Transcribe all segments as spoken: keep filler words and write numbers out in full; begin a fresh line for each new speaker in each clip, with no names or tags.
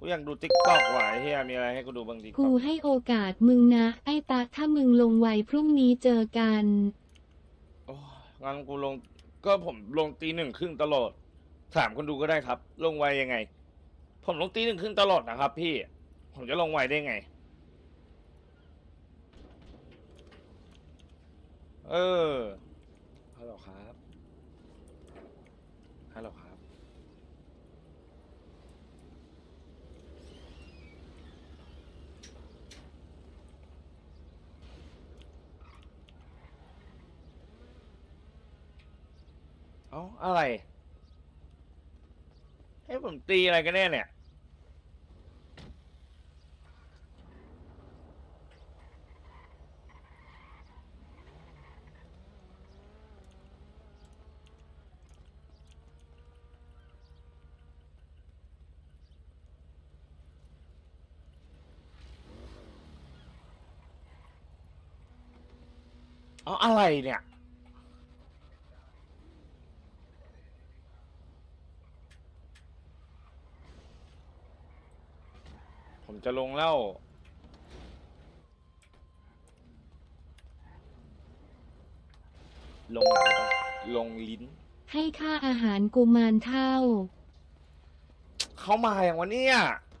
กูอยากดูติ๊กต็อกว่ะไอ้เฮียมีอะไรให้กูดูบ้างดิ
กูให้โอกาสมึงนะไอ้ตาถ้ามึงลงไวพรุ่งนี้เจอกัน
โอ้งั้นกูลงก็ผมลงตีหนึ่งครึ่งตลอดถามคนดูก็ได้ครับ ลงไวยังไง ผมลงตีหนึ่งครึ่งตลอดนะครับ พี่ ผมจะลงไวได้ไง เออฮัลโหลครับฮัลโหลครับเอ้าอะไรให้ผมตีอะไรกันแน่เนี่ยเอาอะไรเนี่ยผมจะลงแล้วลงไหนปะลงลิ้น
ให้ค่าอาหารกุมารเท่า
เขามาอย่างวันนี้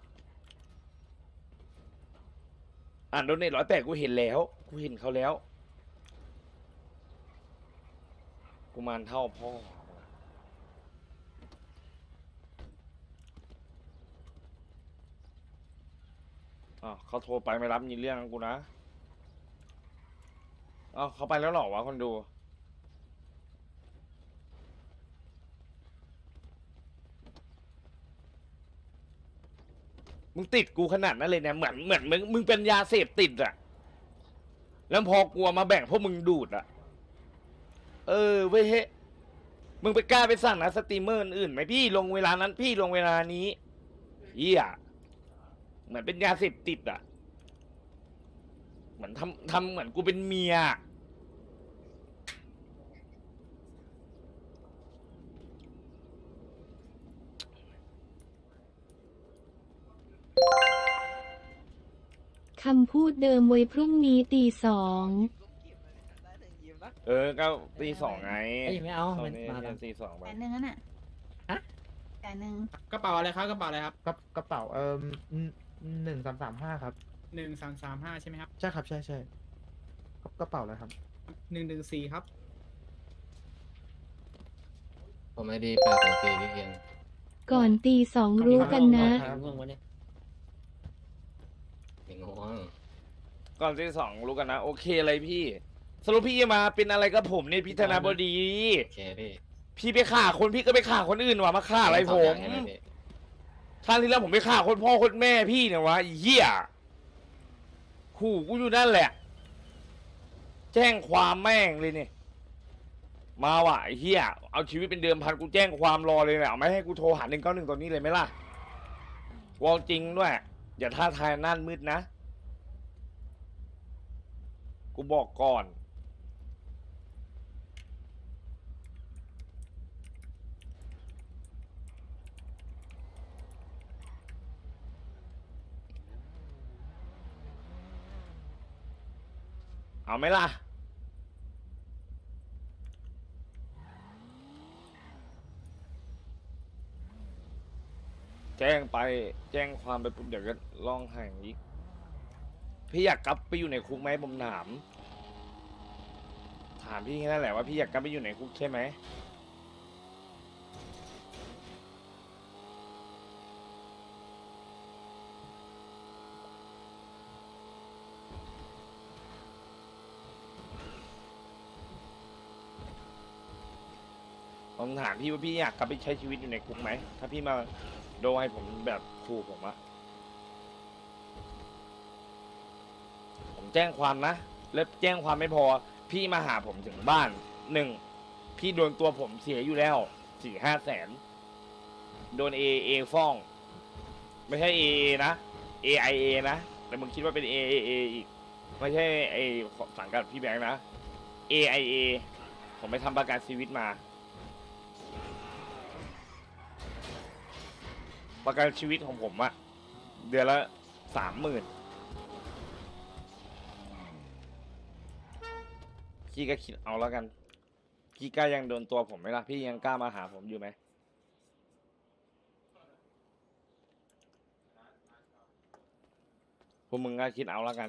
อ่านโดเนทร้อยแปดกูเห็นแล้ว กูเห็นเขาแล้ว กูมารเท่าพ่ออ๋อเขาโทรไปไม่รับมีเรื่องกูนะอ๋อเขาไปแล้วเหรอวะคนดู มึงติดกูขนาดนั้นเลยเนี่ยเหมือนเหมือนมึงมึงเป็นยาเสพติดอะแล้วพอกลัวมาแบ่งพวกมึงดูดอะเออเว้ยเฮ้มึงไปกล้าไปสั่งนะสตรีมเมอร์อื่นไหมพี่ลงเวลานั้นพี่ลงเวลานี้เหี้ยเหมือนเป็นยาเสพติดอะเหมือนทำทำเหมือนกูเป็นเมีย
คำพูดเดิมไว้พรุ่งนี้ตีสอง
เออก็ตีสองไง
เอ้ยไม่เอา
ตอ
มัน น
นี้
มาแล้ว
ตีสองไป
แสนหนึ่งนั่นน่ะ
ฮะ
แสนหนึ่ง
กระเป๋าอะไรครับกระเป๋าอะไรครับ
กระกระเป๋าเอ่อหนึ่งสามสามห้าครับ
หนึ่งสามสามห้าใช่ไหมครับ
ใช่ครับใช่ใช่กระกระเป๋าอะไรครับ
หนึ่งหนึ่งสี่ครับ
ผมไอดีแปดถึงสี่พี่เพียง
ก่อนตีสองรู้กันนะ
เห็นง่วงวะเนี่ย
ไม่ง่วง
ก่อนตีสองรู้กันนะโอเคเลยพี่สรุปพี่จะมาเป็นอะไรกับผมเนี่ยพี่ธนาบดี
โอเคพี่
พี่ไปฆ่าคนพี่ก็ไปฆ่าคนอื่นวะมาฆ่าอะไรผม
ใช่ไหมพี่
ครั้งที่แล้วผมไปฆ่าคนพ่อคนแม่พี่เนี่ยวะไอ้เหี้ยขู่กูอยู่นั่นแหละ แจ้งความแม่งเลยเนี่ยมาว่ะไอ้เหี้ยเอาชีวิตเป็นเดิมพันกูแจ้งความรอเลยแหละเอาไม่ให้กูโทรหาหนึ่งเก้าหนึ่งตอนนี้เลยไหมล่ะวอลจริงด้วย อย่าท่าทายนั่นมืดนะ กูบอกก่อน เอาไหมล่ะ แจ้งไปแจ้งความไปปุ๊บเดี๋ยวก็ร้องไห้อีก พี่อยากกลับไปอยู่ในคุกไหมผมถาม ถามพี่แค่นั้นแหละว่าพี่อยากกลับไปอยู่ในคุกใช่ไหม ผมถามพี่ว่าพี่อยากกลับไปใช้ชีวิตอยู่ในคุกไหม ถ้าพี่มาโดนให้ผมแบบขู่ผมอะผมแจ้งความนะ แล้วแจ้งความไม่พอ พี่มาหาผมถึงบ้านหนึ่งพี่โดนตัวผมเสียอยู่แล้วสี่ห้าแสน โดนเอเอฟ้อง ไม่ใช่เอนะ เอไอเอนะ แต่มึงคิดว่าเป็นเอเอเออีก ไม่ใช่ไอสังกัดพี่แบงค์นะ เอไอเอผมไปทำประกันชีวิตมา ประกันชีวิตของผมอะเดือนละสามหมื่นพี่ก็คิดเอาแล้วกัน พี่กล้ายังโดนตัวผมไหมล่ะ พี่ยังกล้ามาหาผมอยู่ไหม พวกมึงก็คิดเอาแล้วกัน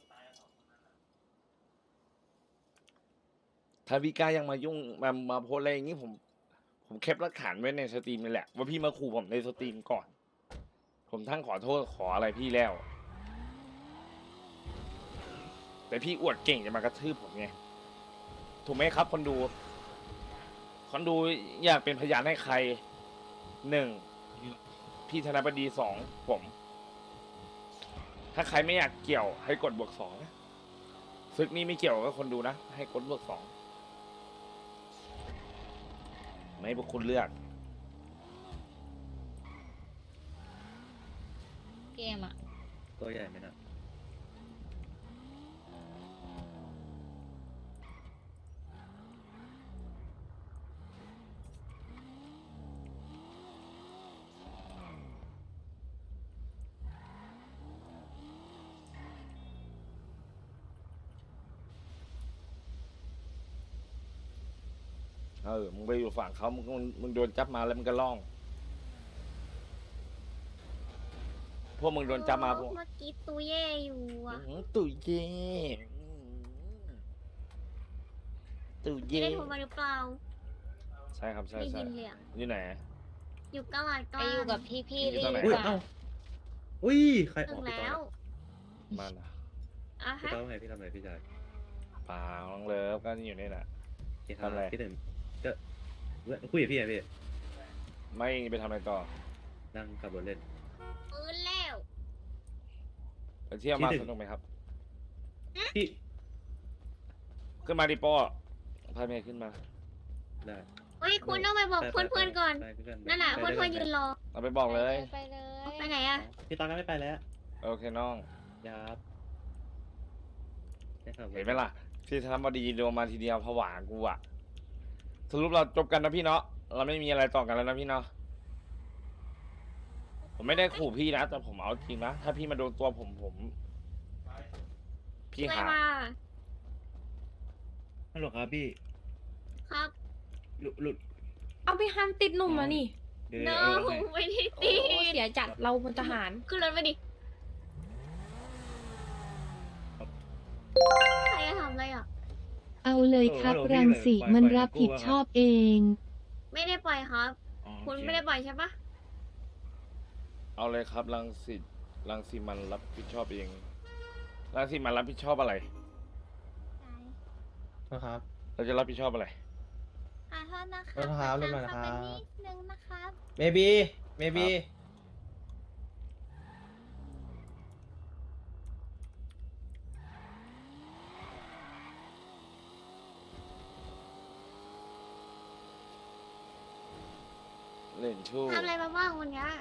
ถ้าพี่กล้ายังมายุ่งมามาโพสอะไรอย่างนี้ผม ผมแคปหลักฐานไว้ในสตรีมนี่แหละ ว่าพี่มาขู่ผมในสตรีมก่อน ผมทั้งขอโทษขออะไรพี่แล้ว แต่พี่อวดเก่งจะมากระทืบผมไง ถูกไหมครับคนดู คนดูอยากเป็นพยานให้ใครหนึ่งพี่ธนบดีสองผม ถ้าใครไม่อยากเกี่ยวให้กดบวกสองซึกนี้ไม่เกี่ยวกับคนดูนะ ให้กดบวกสองไม่ให้พวกคุณเลือก
เกมอ่ะ
ตัวใหญ่ไหมนะ
เออ มึงไปอยู่ฝั่งเขามึงมึงมึงโดนจับมาแล้วมึงก็ล่อง พวกมึงโดนจับมาพวก
เมื่อกี้ตูเย่อยู่อ่ะ
อื้อหือตุ๋ยเย่ตุ๋ย
ไม่
เย่
ได้โทรมาหรือเปล่า
ใช่ครับใช่
ได้
ใช่
ยินเลยอะ
อยู่ไหน
อยู่กลาดก
ไป
ลาง
อยู่กับพี่พี่
อยู่
รี
ตรงไหน
ดี
อุ้ย
กว่า
เอ้าอุ้ย ใครอ
ถึ
อก
ง
พี่ต้อ
แล้ว
มันอะ
อ่ะ
พี่
ฮะ
ต้อทำไงพี่ทำไงพี่ชาย
เปล่าน้องเลิฟก็อยู่นี่แหละ
พี่
ทำอะไร
พี่หนึ่งก็เว้ยคุยกับพี่ไงพี่
ไม่ไปทำอะไรต่อ
นั่งขับรถเล่น
ปืนแล้ว
ไปเที่ยวมา
ที่หนึ่ง
สนุกไหมครับ
พี่
ขึ้นมาดิโป้พาเมย์ขึ้นมา
ได้
เฮ้ยคุณต้องไปบอก
ไป
เพื่อนๆก่อน
ไปไปไป
นั่นน่ะ
ไป
เพื่อนๆยืนรอ
เราไปบอกเลย
ไปเลย
ไปไหนอะ
พี่ตอนก็ไม่ไปแล้ว
โอเคน้อง
ยับได้ขับรถ
เห็นไหมล่ะ พี่ธนบดีโดนมาทีเดียวผวากูอะสรุปเราจบกันนะพี่เนาะ เราไม่มีอะไรต่อกันแล้วนะพี่เนาะ ผมไม่ได้ขู่พี่นะ แต่ผมเอาจริงนะ ถ้าพี่มาโดนตัวผมผม พี่
อะไร
หา
มา
ฮัลโหลครับพี่
ครับ
หลุดหลุด
เอาไปห้ามติดหนุ่มแล้วนี่
เดี๋ยว
no
เอารถให้
ไม่ได้
โอ้
ตี
เสียจัดเราเป็นทหาร
ขึ้นรถมาดิ ใครจะทำอะไรอ่ะ
เอาเลยครับ รังสีมันรับผิดชอบเอง
ไม่ได้ปล่อยครับ
อ๋อ
คุณ
โอเ
ไม่ได้ปล่อยใช่ปะ
เอาเลยครับรังสิตรังสีมันรับผิดชอบเองรังสีมันรับผิดชอบอะไร
นะครับ
เราจะรับผิดชอบอะไร
ขอโทษนะ
ขอโทษครับเรียบร้อยนะครับ
นิดนึงนะครับ
เมบีเมบี
เล่นชู้
ทำอะไรมาบ้างวันเนี้ย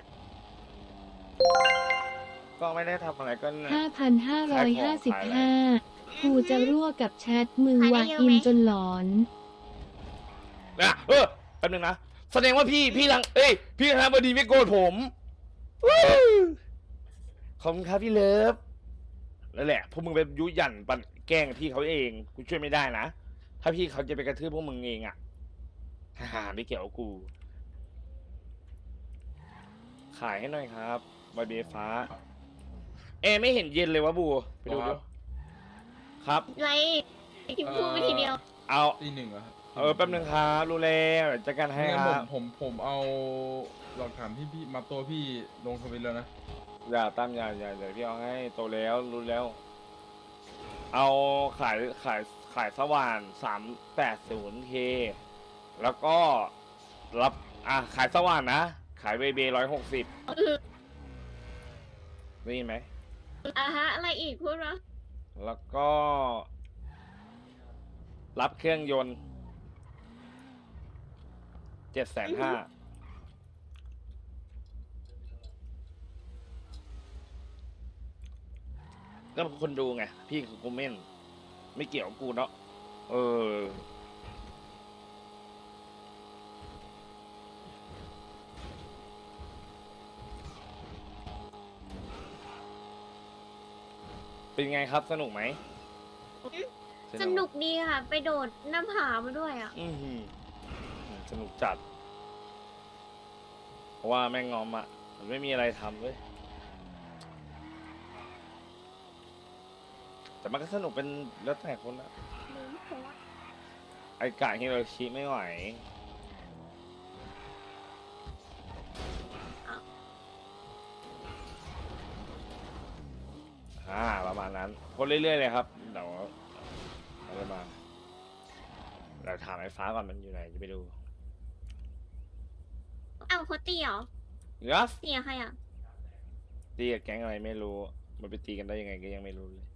ก็ไม่ได้ทำอะไรก็เนี่ย
ห้าพันห้าร้อยห้าสิบห้า กูจะรั่วกับแชทมึง
ขายได้
วา
เยอะ
อิ
ไหม
นจนหลอน
นะเออแป๊บนึงนะ แสดงว่าพี่พี่รังเอ้ยพี่ธนบดีไม่โกรธผมวู้ขอบคุณครับพี่เลิฟนั่นแหละพวกมึงไปยุหยันปันแกล้งพี่เขาเองกูช่วยไม่ได้นะ ถ้าพี่เขาจะไปกระทืบพวกมึงเองอ่ะฮ่าๆไม่เกี่ยวกับกู ขายให้หน่อยครับใบเบฟ้า เอไม่เห็นเย็นเลยวะบูไปดูดูครับ
ไรที่พูดไปทีเดียว
เอา
ตีหนึ่งเหรอครับ
เออแป๊บนึงครับรู้แล้วเดี๋ยวจัดการให้
งั้น
ค
ผ
รั
ม
บ
ผมผมเอาหลักฐานที่พี่มาตัวพี่ลงทวิตแล้วนะ
อย่าตั้มอย่าอย่าอย่าพี่เอาให้โตแล้วรู้แล้ว เอาขายขายขายสว่านสามแปดศูนย์เคแล้วก็รับอ่ะขายสว่านนะ ขายเบเบร้อยหกสิบได้ยินไหม
อ่ะฮะ อะไรอีกพูดวะ
แล้วก็ รับเครื่องยนต์เจ็ดแสนห้าก็คนดูไง พี่คือกูเม่น ไม่เกี่ยวกับกูเนาะเออเป็นไงครับสนุกไหม
สนุกดีค่ะ ไปโดดน้ำผามาด้วยอ่ะ
อือหือสนุกจัด เพราะว่าแม่งงอมอ่ะ มันไม่มีอะไรทำเว้ย แต่มันก็สนุกเป็นแล้วแต่คนนะไอ้กะฮิโรชิไม่ไหว อ่าประมาณนั้นคนเรื่อยๆเลยครับเดี๋ยวเราจะมาเราถามไอ้ฟ้าก่อนมันอยู่ไหนจะไปดู
เอาเขาตีเหรอ
ยัส
ตีกับใครอ่ะ
ตีกับแก๊งอะไรไม่รู้ มันไปตีกันได้ยังไงก็ยังไม่รู้เลย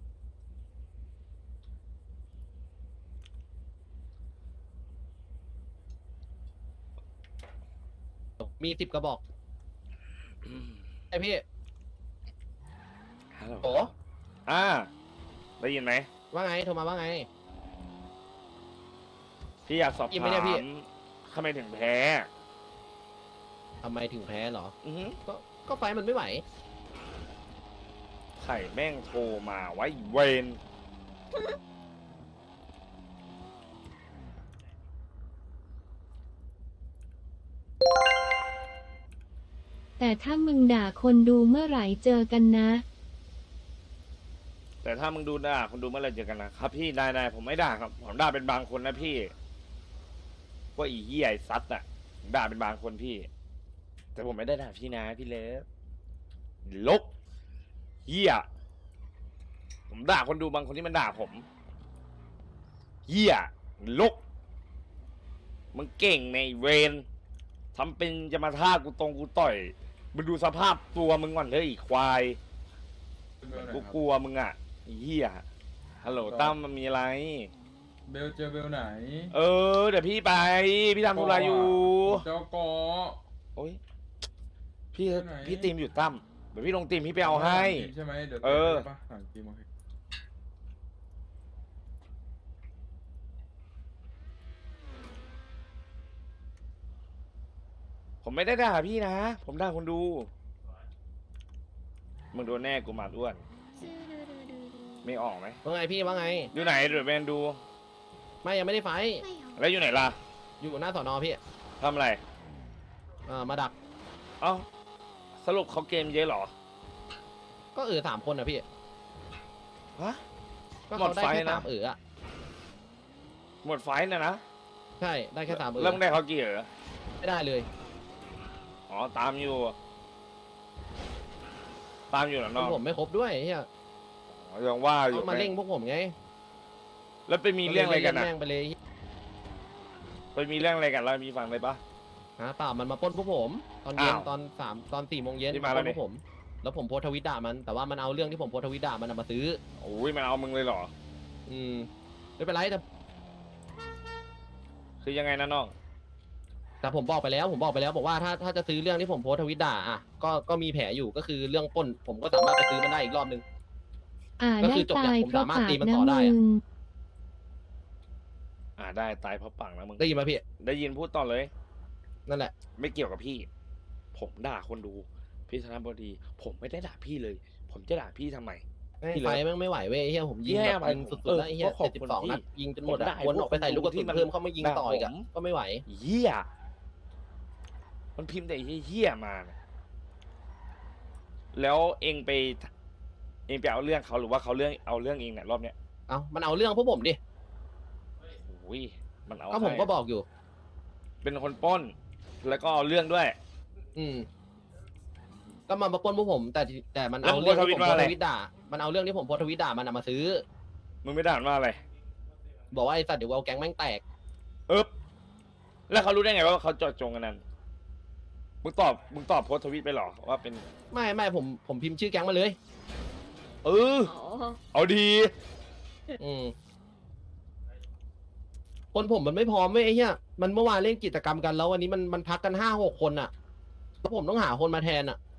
มีสิบกระบอกไอพี่
ฮัลโหล
โอ้
อ่าได้ยินไหม
ว่าไง โทรมาว่าไง
พี่อยากสอบ
ยินไหม
ถา
เนี่ยพี่
มทำไมถึงแพ้
ทำไมถึงแพ้เหรอ
อือหือ
ก็ ก็ไฟมันไม่ไหว
ไข่แม่งโทรมาไว้เวน
แต่ถ้ามึงด่าคนดูเมื่อไหร่เจอกันนะ
แต่ถ้ามึงดูด่าคนดูเมื่อไหรเจอกันนะครับพี่นายนายผมไม่ด่าครับผมด่าเป็นบางคนนะพี่ว่าอีเหี้ยไอ้ซัดอะผมด่าเป็นบางคนพี่ แต่ผมไม่ได้ด่าพี่นะพี่เลิฟลบเหี้ยผมด่าคนดูบางคนที่มันด่าผมเหี้ยลกมึงเก่งในเวนทำเป็นจะมาท่ากูตรงกูต่อยมึงดูสภาพตัวมึงก่อนเลยอีกควายกูกลัวมึงอ่ะไอ้เหี้ยฮัลโหลตั้มมันมีอะไร
เบลเจอเบลไหน
เออเดี๋ยวพี่ไปพี่ทำธุระอยู่
เจ้ากอ
โอ้ยพี่
ไปไหน
พี่ตีมอยู่ตั้มเดี๋ยวพี่ลงตีมพี่ไปเอาให้
ใช่ไหมเดี๋ยว
เออ
ปะหลังทีมโอเค
ผมไม่ได้ด่าพี่นะ ผมด่าคนดู มึงโดนแน่กูมาอ้วน ไม่ออกไหม
ว่าไงพี่ว่าไง
อยู่ไหนเดี๋ยวแมนดู
ไม่ยังไม่ได้ไฟท์
ไม่เหรอ
แล้วอยู่ไหนล่ะ
อยู่หน้าสอนอพี่
ทำอะไร
เอ่อมาดัก
เอ้าสรุปเขาเกมเยอะเหรอ
ก็เออสามคนนะพี่
ฮะ
ก็เขาได้
หมดไฟ
แค่
นะ
สามเอออะ
หมดไฟท์นะนะ
ใช่ ได้แค่สามเออ
เริ่มงได้เขากี่เออ
ไม่ได้เลย
อ๋อตามอยู่ ตามอยู่เหรอน้อง
ผมไม่ครบด้วยเฮีย
อ๋อยังว่าอยู่
เขามาเร่งพวกผมไง
แล้วไปมีเรื่องอะไรกัน
ล่
นะ
แม่งไปเลย
ไปมีเรื่องอะไรกันแล้วมีฟังเลยปะ
ฮะเปล่ามันมาปล้นพวกผม ตอนเย็น
อ้าว
ตอนสามตอนสี่โมงเย็น
ที่
มา
มา
ปล้น
แล้ว
พวกผม แล้วผมโพสต์ทวิตด่ามัน แต่ว่ามันเอาเรื่องที่ผมโพสต์ทวิตด่ามันเอามาซื้อ
โอ้ยมันเอามึงเลยเหรอ
อืมไม่เป็นไรแต่
คือยังไงนะน้อง
แต่ผมบอกไปแล้ว ผมบอกไปแล้วบอกว่าถ้าถ้าจะซื้อเรื่องที่ผมโพสต์ทวิตด่าอ่ะก็ก็มีแผลอยู่ก็คือเรื่องปล้น ผมก็สามารถไปซื้อมันได้อีกรอบนึง
อ่า
ก็
ได้
คือจบ
ตาย
เนี่ยผม
เพราะ
สามารถ
ปาก
ตีมัน
นะ
ต่อได้
มึ
อะ
ง
อ่าได้ตายเพราะปังนะมึง
ได้ยินไหมพี่
ได้ยินพูดต่อเลย
นั่นแหละ
ไม่เกี่ยวกับพี่ ผมด่าคนดู พี่ธนบดี ผมไม่ได้ด่าพี่เลย ผมจะด่าพี่ทำไม พี่
ไฟ
เลย
แม่งไม่ไหวเว้ยไอ้เฮียผมยิง
พี่ให้
แบบ
อภัย
ยิง
ผม
สุด
เอ
ๆ
อ
แล้วไอ้เฮีย
ก็ขอบ
เจ็ด
คุ
สิ
ณ
บสอง
พี่
นัดยิงจนหมด
ผมได้
อะวนออกไปใส่ลูกกระสุน
ที่มัน
เพิ่มเข้ามายิง
ด่า
ต่ออีกอะ
ผม
ก็ไม่ไหว
เหี้ย มันพิมพ์แต่เหี้ยๆมาเนี่ยแล้วเองไป เองไปเอาเรื่องเขาหรือว่าเขาเรื่องเอาเรื่องเองเนี่ยรอบเนี้ย
เอามันเอาเรื่องพวกผมดิ
โอ้ยมันเอา
ก็ผม
ให้
ก็บอกอยู่
เป็นคนปล้น แล้วก็เอาเรื่องด้วย
อืม ก็มามาปล้นพวกผม แต่ที่แต่มัน
แล้ว
เอา
มึง
เรื่องที่ผม
โพ
โพ
สต์ทวิตว่าอะไร
สต์ทวิตด่า มันเอาเรื่องที่ผมโพสต์ทวิตด่ามันเอามาซื้อ
มึงไม่ด่ามันว่าอะไร
บอกว่าไอ้สัตว์เดี๋ยวเอาแก๊งแม่งแตก
เอ๊บแล้วเขารู้ได้ไงว่าเขาเจอดจงกันนั้น มึงตอบ มึงตอบโพสต์ทวิตไปเหรอว่าเป็น
ไม่ไม่ผมผมพิมพ์ชื่อแก๊งมาเลย
เออ
อ๋อ
เอาดี
อืมคนผมมันไม่พร้อมเว้ยไอ้เหี้ยมันเมื่อวานเล่นกิจกรรมกันแล้ววันนี้มันมันพักกันห้าหกคนอะแล้วผมต้องหาคนมาแทนอะ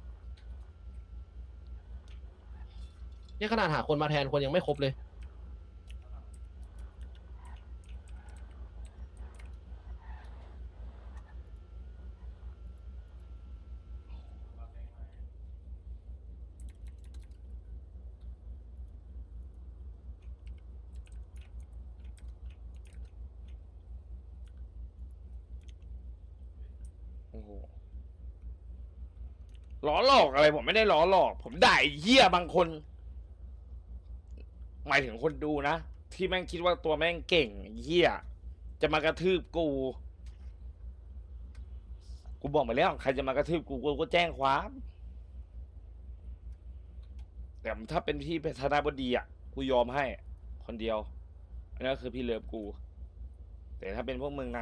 เนี่ยขนาดหาคนมาแทนคนยังไม่ครบเลย
ล้อหลอกอะไรผมไม่ได้ล้อหลอก ผมด่าไอ้เหี้ยบางคน หมายถึงคนดูนะ ที่แม่งคิดว่าตัวแม่งเก่งไอ้เหี้ยจะมากระทืบกู กูบอกไปแล้วใครจะมากระทืบกูกูก็แจ้งความ แต่ถ้าเป็นพี่เป็นธนาบดีอ่ะกูยอมให้ คนเดียวอันนั้นคือพี่เลิฟกู แต่ถ้าเป็นพวกมึงนะ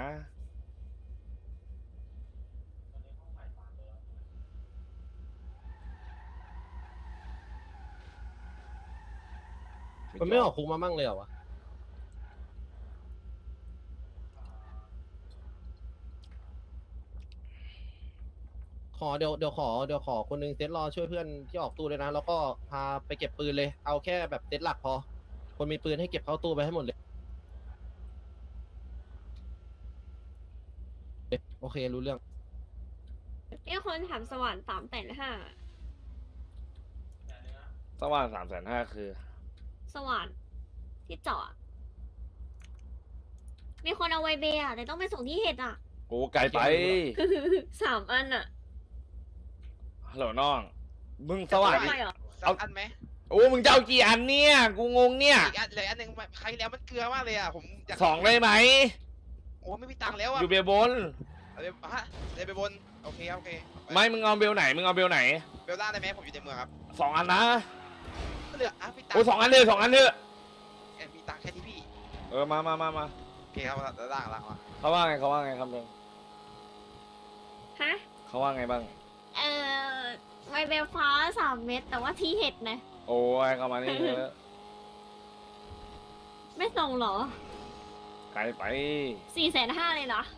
มันไม่ออกคุกมามั่งเลยเหรอวะขอเดี๋ยวเดี๋ยวขอเดี๋ยวขอคนหนึงเซตรอช่วยเพื่อนที่ออกตู้ด้วยนะ แล้วก็พาไปเก็บปืนเลย เอาแค่แบบเซตหลักพอ คนมีปืนให้เก็บเข้าตู้ไปให้หมดเลย โอเครู้เรื่อง
มีคนถามสว่านสามแสนห้า
สว่างสามแสนห้าคือ
สว่านที่เจาะมีคนเอาไวเบย์อะแต่ต้องไปส่งที่เห็ดอะ
โอ้ไกลไป
สามอันอะ
ฮัลโหลน้อง มึงสว่าง
ทำไมเหรอ
เอาอันไหม โอ้ มึงจะเอากี่อันเนี่ย กูงงเนี่ย
อีกอันเหลยอันหนึ่งใครแล้วมันเกลือมากเลยอ่ะผมอยาก
สองได้ไหม
โอ้ไม่มีตังค์แล้วอ่ะ
อยู่เบลบน
เอาไปฮะเลยไปบนโอเคครับโอเค
ไม่ มึงเอาเบลไหน มึงเอาเบลไหน
เบลล่างได้ไหมผมอยู่ในเมืองครับ
สองอันนะ
เหลืออ่ะพี่ตัง
โอ้สองอันเลยสองอันเถอะ
เอ้ยมีตังค์แค่นี้พี่
เออ มามามามา
โอเคครับแล้วล่างล่างมา
เขาว่าไงเขาว่าไงครับเบล
ฮะ
เขาว่าไงบ้าง
เอ่อไวเบย์ฟ้าสามเม็ดแต่ว่าที่เห็ดนะ
โอ้ยเข้ามานี่เถอะ
ไม่ส่งเหรอ
ไกลไป
สี่แสนห้าเลยเหรอ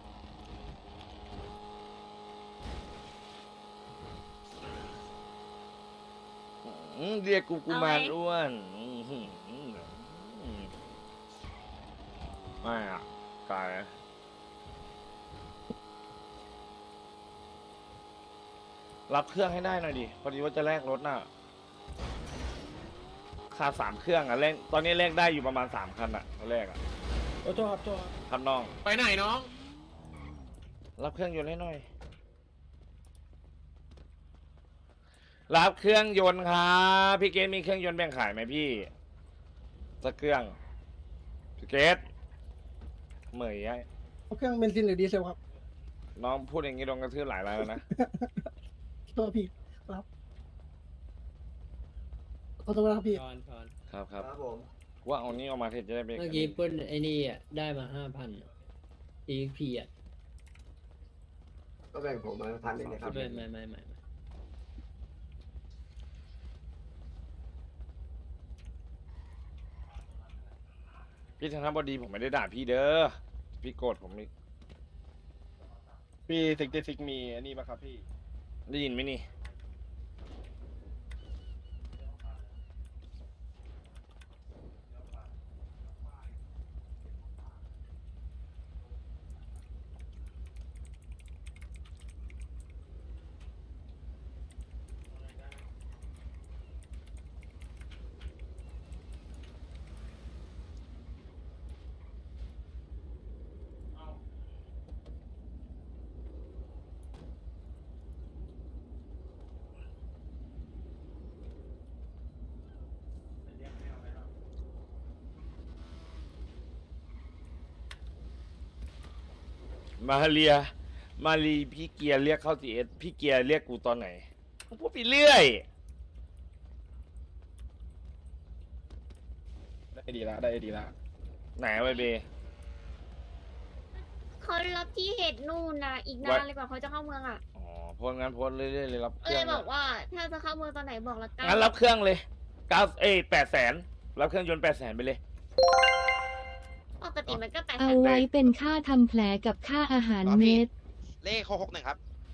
อืมเรียกกูกูมาร
เอาไหม
อ้วนอืมหืมอืมไม่อะไกลรับเครื่องให้ได้หน่อยดิ พอดีว่าจะแลกรถน่ะค่าสามเครื่องอ่ะแลกตอนนี้แลกได้อยู่ประมาณสามคันอ่ะแลกอ่ะ
โอ้โทษครับโทษครับ
ครับน้อง
ไปไหนน้อง
รับเครื่องยนต์ให้หน่อย รับเครื่องยนต์ครับพี่เกตมีเครื่องยนต์แบ่งขายไหมพี่สักเครื่องพี่เกตเหมยไอ้
เครื่องเบนซินหรือดีเซลครับ
น้องพูดอย่างนี้โดนกระทืบหลายรายแล้วนะ
โทษพี่ครับขอโทษนะครับพี่
ชอนชอน
ครับครับว่าเอานี้ออกมาเทศจะได้ไป
เมื่อกี้เปิ้ลไอ้นี่อ่ะ ได้มาห้าพันอีพีอ่ะ
ก็แบ่งผมมาพันหนึ่งนะครับ
ไม่ไม่ไม่ไม่
พี่ธนบดีผมไม่ได้ด่าพี่เด้อพี่โกรธผมอีก
พี่ซิกซิกมีอันนี้ป่ะครับพี่
ได้ยินไหมนี่มาเรีย มารีพี่เกียร์เรียกเข้าจีเอสพี่เกียร์เรียกกูตอนไหนกูพูดไปเรื่อย
ได้ดีละได้ดีละ
ไหนไวเบ
เขารับที่เห็ดนู่นนะอีก
ไว้
นานเลยกว่าเขาจะเข้าเมืองอ่ะ
อ๋อโพสงั้นโพสเรื่อยๆเลยรับเค
ก็
รื่
เล
อง
ยบอกว่าถ้าจะเข้าเมืองตอนไหนบอกละกัน
งั้นรับเครื่องเลยเก้าเอ้แปดแสนรับเครื่องยนต์แปดแสนไปเลย
ปกติมันก็แปดแส
เอา
น
ไว้เป็นค่าทำแผลกับค่าอาหารเม็ด
เลขหกหกหนึ่งครับ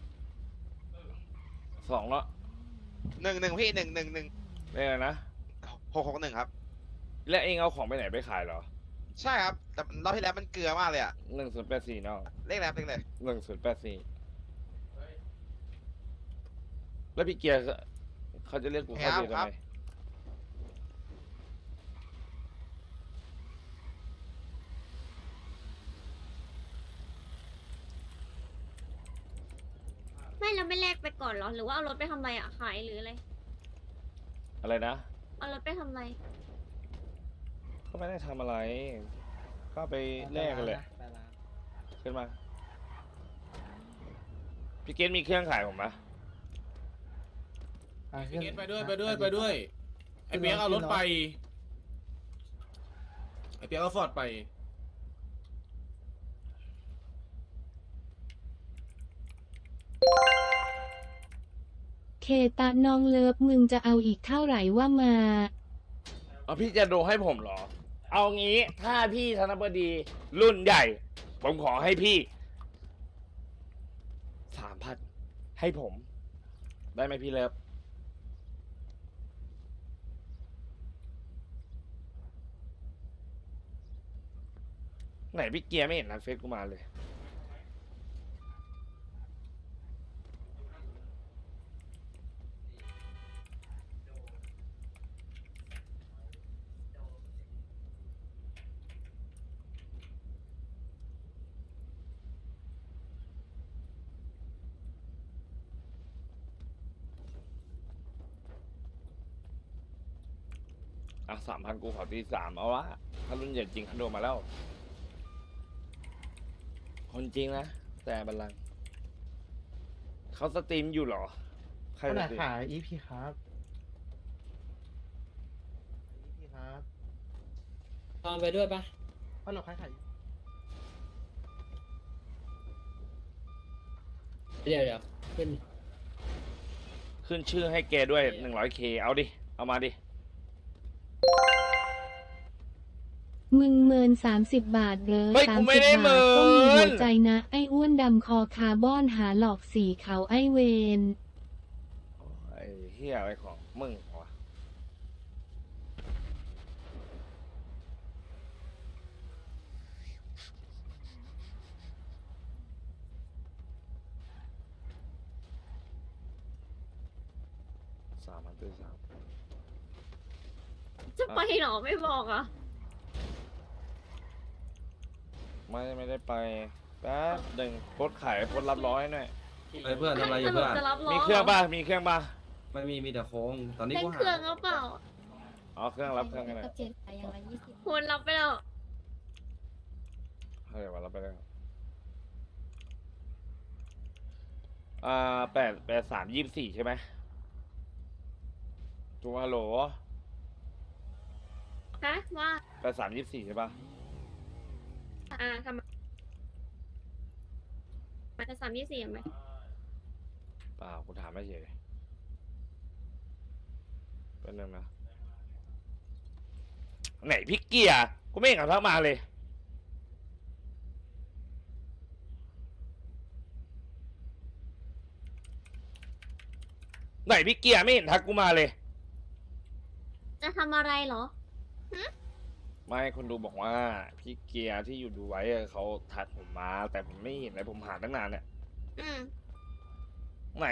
สองแล้ว
หนึ่งหนึ่งพี่หนึ่งหนึ่งหนึ่ง
ได้เลยนะ
หกหกหนึ่งครับ
แล้วเองเอาของไปไหนไปขายเหรอ
ใช่ครับแต่รอบที่แล้วมันเกลือมากเลยอ่ะ
หนึ่งศูนย์แปดสี่น้อง
เลขอะไรครับเลขอะไร
หนึ่งศูนย์แปดสี่แล้วพี่เกียร์เขาจะเรียกกูเข้าเดียวทำไม
ไม่เราไม่แลกไปก่อนเหรอ หรือว่าเอารถไปทำอะไรอ่ะ ขายหรืออะไร
อะไรนะ
เอารถไปทำอะไร
ก็ไม่ได้ทำอะไร ก็ไปแลกกันเลยขึ้นมา พี่เกตมีเครื่องขายผมปะ
พี่เกต
ไปด้วยไปด้วยไปด้วย ไอเปียกเอารถไป ไอเปียกเอาฟอร์ดไป
เคตาน้องเลิฟมึงจะเอาอีกเท่าไหร่ว่ามา
เอาพี่จะดูให้ผมเหรอ เอางี้ถ้าพี่ธนบดีรุ่นใหญ่ ผมขอให้พี่สามพันให้ผม ได้ไหมพี่เลิฟไหนพี่เกียร์ไม่เห็นนันเฟซกูมาเลย อ่ะสามพันกูขอตีสามเอาวะถ้ารุ่นใหญ่จริงเขาโดนมาแล้ว คนจริงนะ แต่บัลลังก์เขาสตรีมอยู่เหรอ ใคร
คน
ส
ไหน
ตรีม
ขาย อี พี ครับ อี พี ครับ
ตอนไปด้วยปะ
ฮัลโหลใครขาย
เดี๋ยวเดี๋ยวขึ้น
ขึ้นชื่อให้แกด้วยหนึ่งร้อยเคเอาดิ เอามาดิ
มึงเมินสามสิบบาทเหรอ
เฮ้ย
สา
กู
ม
ไม่
สิบ
ได้
บาทก็มี
เมิน
หัวใจนะ ไอ้อ้วนดำคอคาร์บอนหาหลอกสีเขาไอ้เวน
ไอ้เฮียอะไรของมึงวะสามพันตีสาม
จะไปเหรอ ไม่บอกอ่ะ
ไม่ไม่ได้ไปแป๊บหนึ่งโพสต์ขายโพสต์รับร้อยหน่อย
เฮ้ยเพื่อนทำอะไรอยู่เพื่อน
จะรับล้อ
มีเครื่องป่ะ มีเครื่องป่ะ
ไม่มีมีแต่โค้ง ตอนนี้
เล่
กู
น
หา
เครื่องหรือเปล่า
อ๋อเครื่องรับเครื่องกันเลย
คุณรับไปแล้ว
เฮ้ยวันรับไปแล้วอ่าแปดแปดสามยี่สิบสี่ใช่ไหมจูฮัลโหล
ฮะ ว่า
แปดสามยี่สิบสี่ใช่ป่ะ
อ่าทำไมมันจะสามยี่สี่ไหม
เปล่ากูถามไม่เฉยเป็นนึงนะ ไหนพี่เกียร์กูไม่เห็นเขาทักมาเลย ไหนพี่เกียร์ไม่เห็นทักกูมาเลย
จะทำอะไรเหรอ
ไม่คนดูบอกว่า พี่เกียร์ที่อยู่ดูไว้อะเขาทักผมมา แต่ผมไม่เห็นเลยผมหาตั้งนานเนี่ย
อืม
ไหน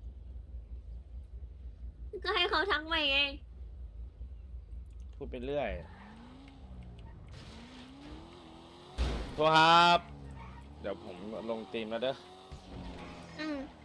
ก็ให้เขาทักมาไง
พูดไปเรื่อย โทรครับ เดี๋ยวผมลงตีมแล้วเด้อ
อืม